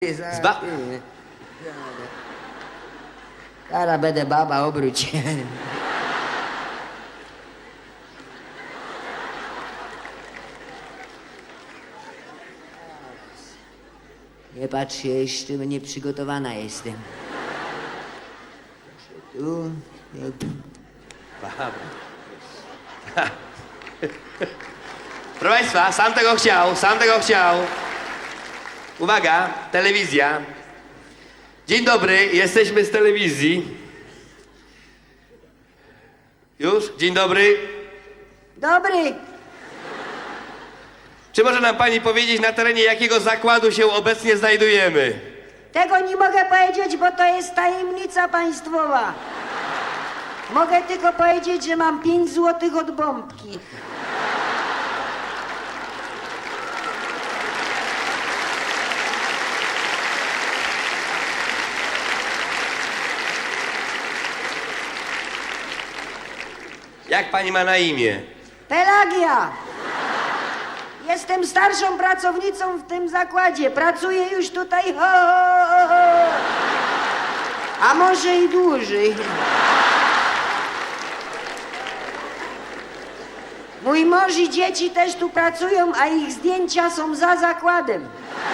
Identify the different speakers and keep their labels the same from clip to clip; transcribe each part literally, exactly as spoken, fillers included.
Speaker 1: Zba...
Speaker 2: Kara będę baba, obróć się. Nie patrz się, jeszcze nieprzygotowana jestem. Tu...
Speaker 1: Baba. Proszę Państwa, sam tego chciał, sam tego chciał. Uwaga, telewizja. Dzień dobry, jesteśmy z telewizji. Już? Dzień dobry.
Speaker 2: Dobry.
Speaker 1: Czy może nam pani powiedzieć, na terenie jakiego zakładu się obecnie znajdujemy?
Speaker 2: Tego nie mogę powiedzieć, bo to jest tajemnica państwowa. Mogę tylko powiedzieć, że mam pięć złotych od bombki.
Speaker 1: Jak pani ma na imię?
Speaker 2: Pelagia! Jestem starszą pracownicą w tym zakładzie. Pracuję już tutaj ho, ho, ho. A może i dłużej. Mój mąż i dzieci też tu pracują, a ich zdjęcia są za zakładem.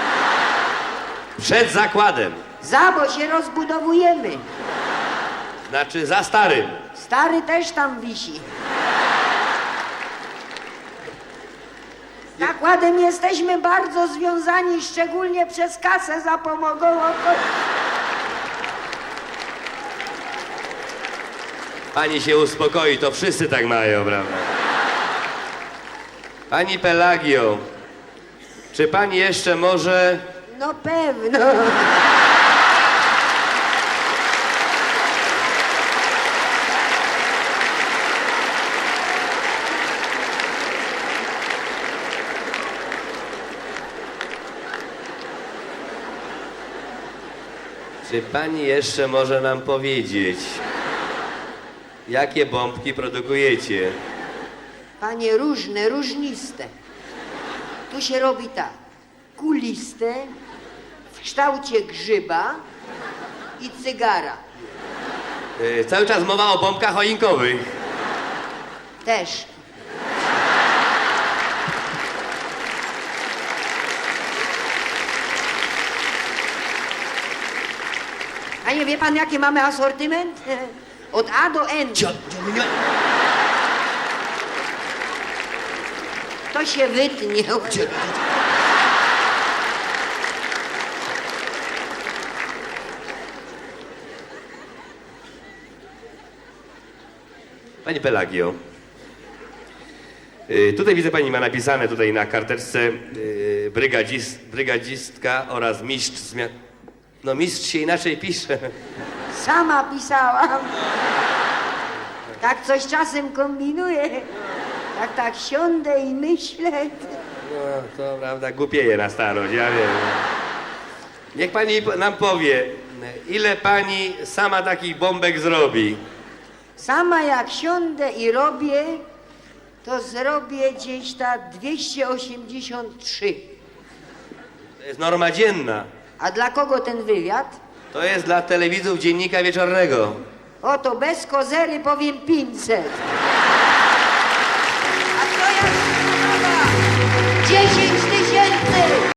Speaker 1: Przed zakładem.
Speaker 2: Za, bo się rozbudowujemy.
Speaker 1: Znaczy za starym.
Speaker 2: Stary też tam wisi. Z zakładem jesteśmy bardzo związani, szczególnie przez kasę zapomogową.
Speaker 1: Pani się uspokoi, to wszyscy tak mają, prawda? Pani Pelagio, czy pani jeszcze może...
Speaker 2: No pewno.
Speaker 1: Czy pani jeszcze może nam powiedzieć, jakie bombki produkujecie?
Speaker 2: Panie, różne, różniste. Tu się robi tak. Kuliste, w kształcie grzyba i cygara.
Speaker 1: Yy, cały czas mowa o bombkach choinkowych.
Speaker 2: Też. A nie wie pan, jaki mamy asortyment? Od A do N. To się wytnie.
Speaker 1: Pani Pelagio, yy, tutaj widzę, pani ma napisane tutaj na karteczce yy, brygadzist, brygadzistka oraz mistrz zmian... No mistrz się inaczej pisze.
Speaker 2: Sama pisałam. Tak coś czasem kombinuję. Tak, tak siądę i myślę.
Speaker 1: No to prawda, głupieje na starość, ja wiem. Niech pani nam powie, ile pani sama takich bombek zrobi?
Speaker 2: Sama jak siądę i robię, to zrobię gdzieś tak dwieście osiemdziesiąt trzy.
Speaker 1: To jest norma dzienna.
Speaker 2: A dla kogo ten wywiad?
Speaker 1: To jest dla telewidzów Dziennika Wieczornego.
Speaker 2: Oto bez kozery powiem pięćset. A to jak dziesięć